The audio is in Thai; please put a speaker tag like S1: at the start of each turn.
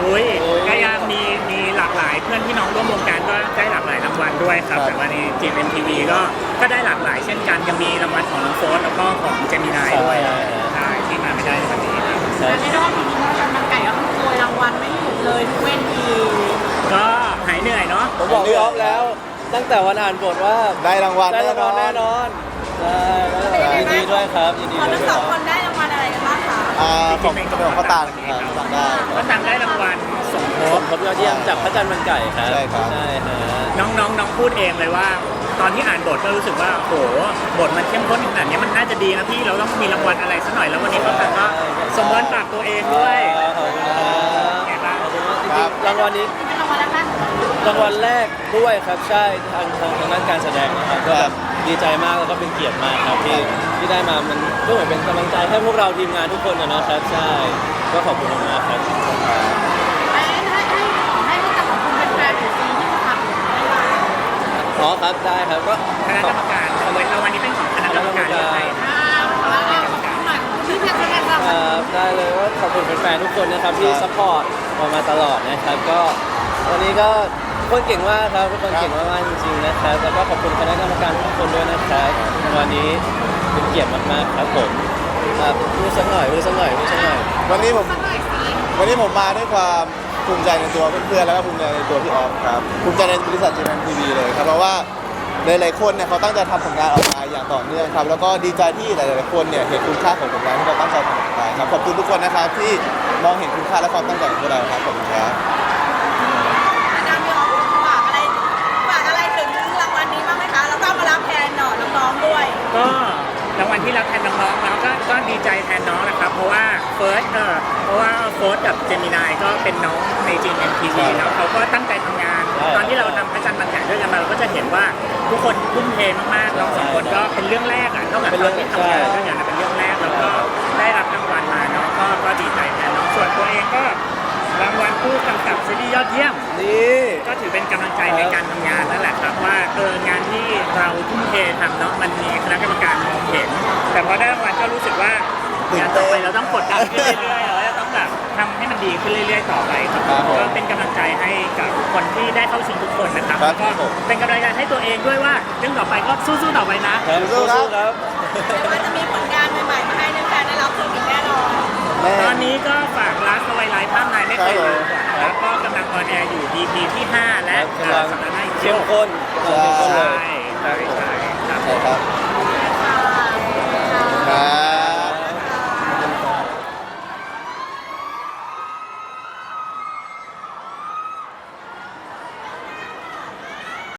S1: อุ้ยก็ยังมีหลากหลายเพื่อนพี่น้องร่วมวงการก็ได้หลากหลายรางวัลด้วยครับแต่วันนี้จีเอ็มทีวีก็ได้หลากหลายเช่นกันยังมีรางวัลของน้องโฟสแล้วก็ของเจมินายด้วยใช่ที่มาไม่ได้ในวันนี้ครับ
S2: และในรอบนี้พระจันทร์มันไก่ก็โกยรางวัลไม่หยุดเลยทุกเวที
S1: ก็หายเหนื่อยเนาะ
S3: ผมบอกพี่ออฟแล้ว ตั้งแต่วันอ่านบทว่า
S4: ได้รางวัล
S3: ได้รางวัลแน่นอนใช่ยินดีด้วยครับยินดี
S2: คน
S3: ด้วย
S2: ทั้งสองคนได้รางวัลอะไรกันบ้างคะ
S4: ของเป็นของข้าวตาลครับข้าวตาลได้
S1: ก็ตังได้รางวัลสมท
S3: ผ
S1: บ
S3: มครบยอดเยี่ยมจากพระจันทร์มันไก่ครับ
S4: ใช่ครับ
S3: ใช่ฮะ
S1: น้องพูดเองเลยว่า ตอนที่อ่านบทก็รู้สึกว่าโหบทมันเข้มข้นขนาดนี้มันน่าจะดีนะพี่เราต้องมีรางวัลอะไรสักหน่อยแล้ววันนี้ก็ตังก็สมบูรณ์ปากตัวเองด้วย
S3: ขอบคุณครับ
S1: ไงบ้าง
S3: ขอบคุณมากจริงๆรางวัลนี้
S2: เป็นรางวัลแรก
S3: รางวัลแรกด้วยครับใช่ทางด้านการแสดงนะครับก็แบบดีใจมากแล้วก็เป็นเกียรติมากครับที่ได้มามันก็เหมือนเป็นกำลังใจให้พวกเราทีมงานทุกคนนะครับใช่ก็ขอบคุณมากครับ
S2: ให้รู้จักของคุณเป็นแฟนถึงปีที่ขับได้ไหม
S3: อ๋อครับได้ครับก็
S1: คณะกรรมการรางวัลนี้เป็นของคณะกรรมการเลือกให้
S2: แล้วก็ขอบคุณหน่อยที่เป็นคะแนนรางวัล
S3: ได้เลยว่าขอบคุณแฟนๆทุกคนนะครับที่ซัพพอร์ตมาตลอดนะครับก็วันนี้ก็ทุกคนเก่งมากครับทุกคนเก่งมากๆจริงๆนะครับแล้วก็ขอบคุณคณะกรรมการทุกคนด้วยนะครับวันนี้เป็นเกียรติมากๆครับผมพูดสักหน่อย
S4: วันนี้ผม
S2: สักหน่อยสิ
S4: วันนี้ผมมาด้วยความภูมิใจในตัวเพื่อนๆแล้วก็ภูมิใจในตัวพี่ออฟครับภูมิใจในบริษัท GMMTV เลยครับเพราะว่าหลายๆคนเนี่ยเขาตั้งใจทำผลงานออกมาอย่างต่อเนื่องครับแล้วก็ดีใจที่หลายๆคนเนี่ยเห็นคุณค่าของผลงานที่เราตั้งใจทำออกไปครับขอบคุณทุกคนนะครับที่มองเห็นคุณค่าและความตั้งใจของพวกเราครับขอบคุณครับ
S2: อาจารย์มีออกฝากอะไรถึงรางวัลนี้บ้างไหมคะแล้วก็มารับแทนน้องๆด้วย
S1: ก็รางวัลที่รับแทนน้องๆแล้วก็ดีใจแทนน้องนะครับเพราะว่าเฟิร์สกับเจมินายก็เป็นน้องในจีเอ็มทีวีแล้วเขาก็ตั้งใจทำงาน ตอนที่เราทำพระจันทร์มันแข่ด้วยกันมาเราก็จะเห็นว่าทุกคนทุ่มเทมากๆน้องสองคนก็เป็นเรื่องแรกอ่ะเท่ากับตอนที่ทำงานด้วยกันเป็นเรื่องแรกแล้วก็ได้รับรางวัลมาเนาะก็ดีใจแทนน้องส่วนตัวเองก็รางวัลผู้กำกับซีรีส์ยอดเยี่ยม
S3: นี่
S1: ก็ถือเป็นกำลังใจในการทำงานนั่นแหละครับว่างานที่เราทุ่มเททำเนาะมันมีคณะกรรมการมองเห็น แต่พอได้รางวัลก็รู้สึกว่างานต่อไปเราต้องกดดันขึ้นเรื่อยๆเราต้องแบบทำให้มันดีขึ้นเรื่อยๆต่อไปครับก็เป็นกำลังใจให้กับคนที่ได้เข้าชิงทุกคนนะครับแล้วก็เป็นกำลังใจให้ตัวเองด้วยว่าเรื่องต่อไปก็สู้ๆต่อไปนะ
S3: สู้ๆครับ
S2: แต่ว่าจะมีผลงานใหม่ๆมาให้แฟนๆได้รับชมอีกแน่นอน
S1: ตอนนี้ก็ฝากรักเอาไว้ไลฟ์ภาพนายไม่เคยลืมแล้วก็กำลังออนแอร์อยู่ EP ที่ 5 และสัปดาห์หน้าอีก
S3: เข้มข้น
S1: ใช่ใช่ครับ
S4: ใช่ครับ